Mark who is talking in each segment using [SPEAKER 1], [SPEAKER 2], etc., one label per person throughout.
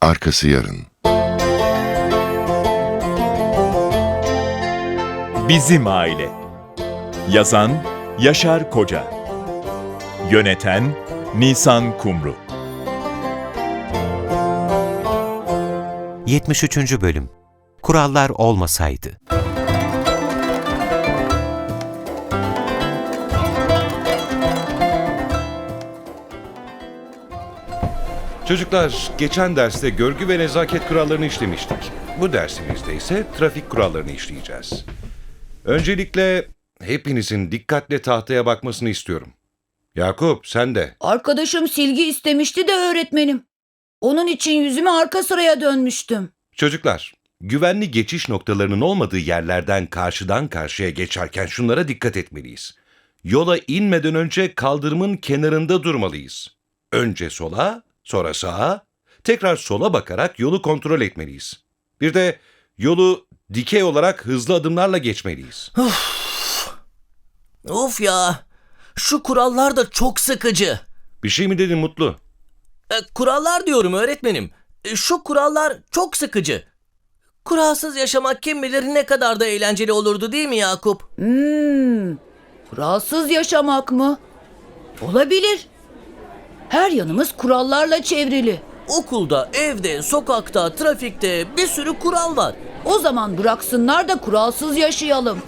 [SPEAKER 1] Arkası yarın.
[SPEAKER 2] Bizim Aile. Yazan Yaşar Koca. Yöneten Nisan Kumru.
[SPEAKER 3] 73. Bölüm. Kurallar olmasaydı.
[SPEAKER 4] Çocuklar, geçen derste görgü ve nezaket kurallarını işlemiştik. Bu dersimizde ise trafik kurallarını işleyeceğiz. Öncelikle hepinizin dikkatle tahtaya bakmasını istiyorum. Yakup, sen de.
[SPEAKER 5] Arkadaşım silgi istemişti de öğretmenim. Onun için yüzümü arka sıraya dönmüştüm.
[SPEAKER 4] Çocuklar, güvenli geçiş noktalarının olmadığı yerlerden karşıdan karşıya geçerken şunlara dikkat etmeliyiz. Yola inmeden önce kaldırımın kenarında durmalıyız. Önce sola, sonra sağa, tekrar sola bakarak yolu kontrol etmeliyiz. Bir de yolu dikey olarak hızlı adımlarla geçmeliyiz.
[SPEAKER 6] Of ya! Şu kurallar da çok sıkıcı.
[SPEAKER 4] Bir şey mi dedin Mutlu?
[SPEAKER 6] Kurallar diyorum öğretmenim. Şu kurallar çok sıkıcı. Kuralsız yaşamak kim bilir ne kadar da eğlenceli olurdu değil mi Yakup?
[SPEAKER 5] Kuralsız yaşamak mı? Olabilir. Her yanımız kurallarla çevrili.
[SPEAKER 6] Okulda, evde, sokakta, trafikte bir sürü kural var.
[SPEAKER 5] O zaman bıraksınlar da kuralsız yaşayalım.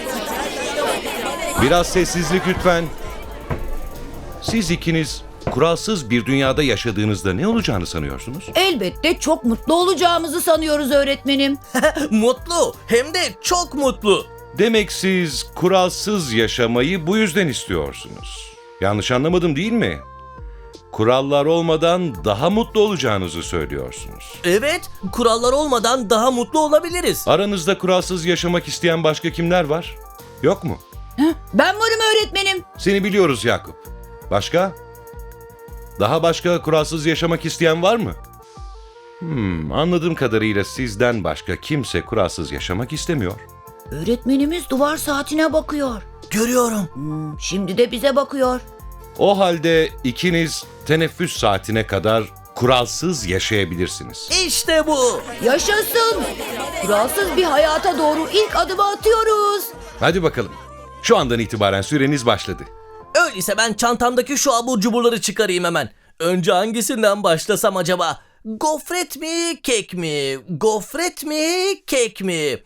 [SPEAKER 4] Biraz sessizlik lütfen. Siz ikiniz kuralsız bir dünyada yaşadığınızda ne olacağını sanıyorsunuz?
[SPEAKER 5] Elbette çok mutlu olacağımızı sanıyoruz öğretmenim.
[SPEAKER 6] Mutlu, hem de çok mutlu.
[SPEAKER 4] Demek siz kuralsız yaşamayı bu yüzden istiyorsunuz. Yanlış anlamadım değil mi? Kurallar olmadan daha mutlu olacağınızı söylüyorsunuz.
[SPEAKER 6] Evet, kurallar olmadan daha mutlu olabiliriz.
[SPEAKER 4] Aranızda kuralsız yaşamak isteyen başka kimler var? Yok mu?
[SPEAKER 5] Ben varım öğretmenim.
[SPEAKER 4] Seni biliyoruz Yakup. Başka? Daha başka kuralsız yaşamak isteyen var mı? Anladığım kadarıyla sizden başka kimse kuralsız yaşamak istemiyor.
[SPEAKER 5] Öğretmenimiz duvar saatine bakıyor.
[SPEAKER 6] Görüyorum.
[SPEAKER 5] Şimdi de bize bakıyor.
[SPEAKER 4] O halde ikiniz teneffüs saatine kadar kuralsız yaşayabilirsiniz.
[SPEAKER 6] İşte bu.
[SPEAKER 5] Yaşasın. Kuralsız bir hayata doğru ilk adımı atıyoruz.
[SPEAKER 4] Hadi bakalım. Şu andan itibaren süreniz başladı.
[SPEAKER 6] Öyleyse ben çantamdaki şu abur cuburları çıkarayım hemen. Önce hangisinden başlasam acaba? Gofret mi, kek mi? Gofret mi, kek mi?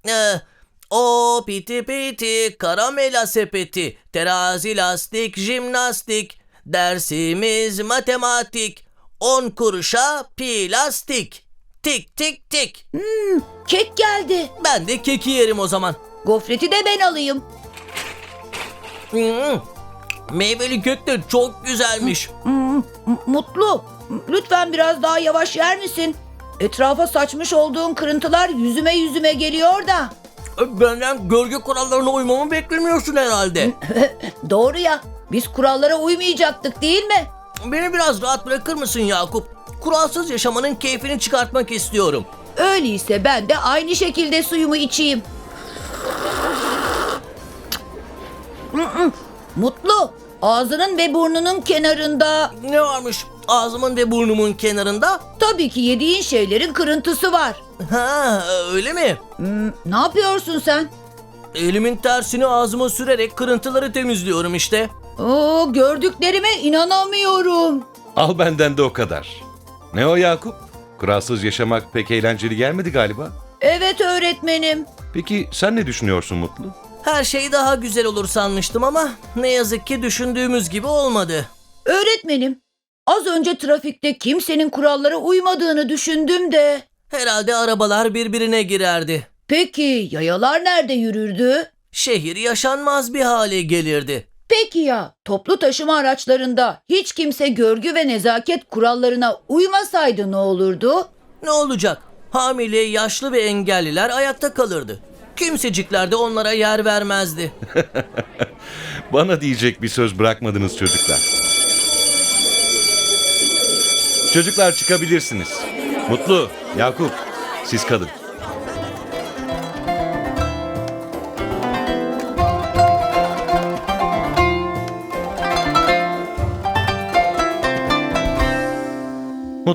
[SPEAKER 6] O piti piti, karamela sepeti, terazi lastik, jimnastik, dersimiz matematik, 10 kuruşa plastik. Tik tik tik.
[SPEAKER 5] Kek geldi.
[SPEAKER 6] Ben de keki yerim o zaman.
[SPEAKER 5] Gofreti de ben alayım.
[SPEAKER 6] Meyveli kek de çok güzelmiş.
[SPEAKER 5] Mutlu. Lütfen biraz daha yavaş yer misin? Etrafa saçmış olduğun kırıntılar yüzüme geliyor da.
[SPEAKER 6] Benden gölge kurallarına uymamı beklemiyorsun herhalde.
[SPEAKER 5] Doğru ya. Biz kurallara uymayacaktık değil mi?
[SPEAKER 6] Beni biraz rahat bırakır mısın Yakup? Kuralsız yaşamanın keyfini çıkartmak istiyorum.
[SPEAKER 5] Öyleyse ben de aynı şekilde suyumu içeyim. Mutlu. Ağzının ve burnunun kenarında
[SPEAKER 6] Ne varmış ağzımın ve burnumun kenarında?
[SPEAKER 5] tabii ki yediğin şeylerin kırıntısı var.
[SPEAKER 6] Ha, öyle mi?
[SPEAKER 5] Ne yapıyorsun sen?
[SPEAKER 6] Elimin tersini ağzıma sürerek kırıntıları temizliyorum işte.
[SPEAKER 5] Oo, gördüklerime inanamıyorum.
[SPEAKER 4] Al benden de o kadar. Ne o Yakup? Kuralsız yaşamak pek eğlenceli gelmedi galiba.
[SPEAKER 5] Evet öğretmenim.
[SPEAKER 4] Peki sen ne düşünüyorsun Mutlu?
[SPEAKER 6] Her şey daha güzel olur sanmıştım ama ne yazık ki düşündüğümüz gibi olmadı.
[SPEAKER 5] Öğretmenim, az önce trafikte kimsenin kurallara uymadığını düşündüm de.
[SPEAKER 6] Herhalde arabalar birbirine girerdi.
[SPEAKER 5] Peki yayalar nerede yürürdü?
[SPEAKER 6] Şehir yaşanmaz bir hale gelirdi.
[SPEAKER 5] Peki ya toplu taşıma araçlarında hiç kimse görgü ve nezaket kurallarına uymasaydı ne olurdu?
[SPEAKER 6] Ne olacak? Hamile, yaşlı ve engelliler ayakta kalırdı. Kimsecikler de onlara yer vermezdi.
[SPEAKER 4] Bana diyecek bir söz bırakmadınız çocuklar. Çocuklar çıkabilirsiniz. Mutlu, Yakup, siz kalın. Mutlu,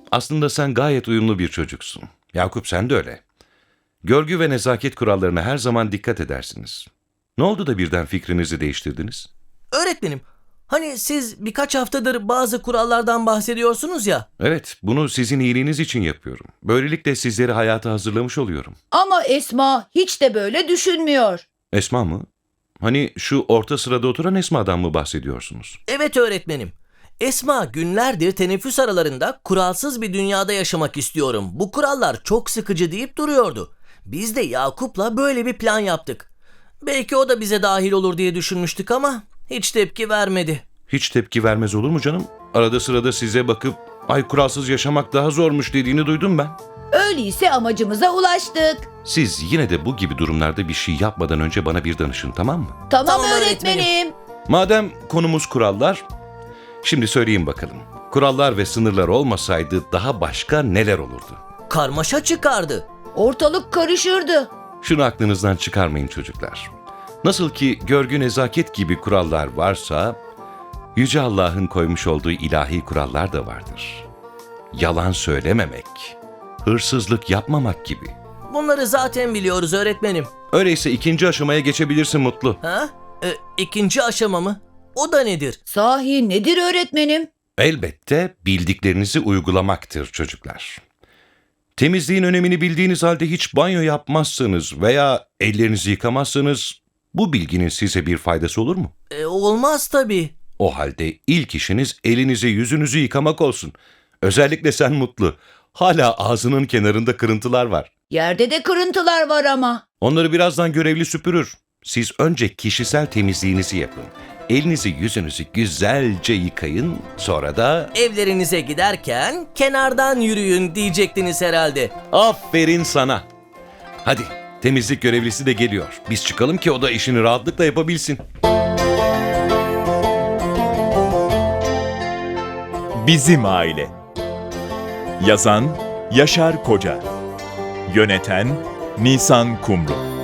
[SPEAKER 4] aslında sen gayet uyumlu bir çocuksun. Yakup sen de öyle. Görgü ve nezaket kurallarına her zaman dikkat edersiniz. Ne oldu da birden fikrinizi değiştirdiniz?
[SPEAKER 6] Öğretmenim, hani siz birkaç haftadır bazı kurallardan bahsediyorsunuz ya.
[SPEAKER 4] Evet, bunu sizin iyiliğiniz için yapıyorum. Böylelikle sizleri hayata hazırlamış oluyorum.
[SPEAKER 5] Ama Esma hiç de böyle düşünmüyor.
[SPEAKER 4] Esma mı? Hani şu orta sırada oturan Esma'dan mı bahsediyorsunuz?
[SPEAKER 6] Evet öğretmenim. Esma günlerdir teneffüs aralarında kuralsız bir dünyada yaşamak istiyorum. Bu kurallar çok sıkıcı deyip duruyordu. Biz de Yakup'la böyle bir plan yaptık. Belki o da bize dahil olur diye düşünmüştük ama hiç tepki vermedi.
[SPEAKER 4] Hiç tepki vermez olur mu canım? Arada sırada size bakıp ay kuralsız yaşamak daha zormuş dediğini duydum ben.
[SPEAKER 5] Öyleyse amacımıza ulaştık.
[SPEAKER 4] Siz yine de bu gibi durumlarda bir şey yapmadan önce bana bir danışın, tamam mı?
[SPEAKER 5] Tamam,
[SPEAKER 6] Tamam
[SPEAKER 5] öğretmenim.
[SPEAKER 4] Madem konumuz kurallar, şimdi söyleyeyim bakalım. Kurallar ve sınırlar olmasaydı daha başka neler olurdu?
[SPEAKER 6] Karmaşa çıkardı.
[SPEAKER 5] Ortalık karışırdı.
[SPEAKER 4] Şunu aklınızdan çıkarmayın çocuklar. Nasıl ki görgü nezaket gibi kurallar varsa, Yüce Allah'ın koymuş olduğu ilahi kurallar da vardır. Yalan söylememek, hırsızlık yapmamak gibi.
[SPEAKER 6] Bunları zaten biliyoruz öğretmenim.
[SPEAKER 4] Öyleyse ikinci aşamaya geçebilirsin Mutlu.
[SPEAKER 6] Ha? İkinci aşama mı? O da nedir?
[SPEAKER 5] Sahi nedir öğretmenim?
[SPEAKER 4] Elbette bildiklerinizi uygulamaktır çocuklar. Temizliğin önemini bildiğiniz halde hiç banyo yapmazsanız veya ellerinizi yıkamazsanız bu bilginin size bir faydası olur mu?
[SPEAKER 6] Olmaz tabii.
[SPEAKER 4] O halde ilk işiniz elinizi yüzünüzü yıkamak olsun. Özellikle sen Mutlu. Hala ağzının kenarında kırıntılar var.
[SPEAKER 5] Yerde de kırıntılar var ama.
[SPEAKER 4] Onları birazdan görevli süpürür. Siz önce kişisel temizliğinizi yapın. Elinizi yüzünüzü güzelce yıkayın. Sonra da
[SPEAKER 6] Evlerinize giderken kenardan yürüyün diyecektiniz herhalde.
[SPEAKER 4] aferin sana. Hadi temizlik görevlisi de geliyor. Biz çıkalım ki o da işini rahatlıkla yapabilsin.
[SPEAKER 2] Bizim Aile. Yazan Yaşar Koca. Yöneten Nisan Kumru.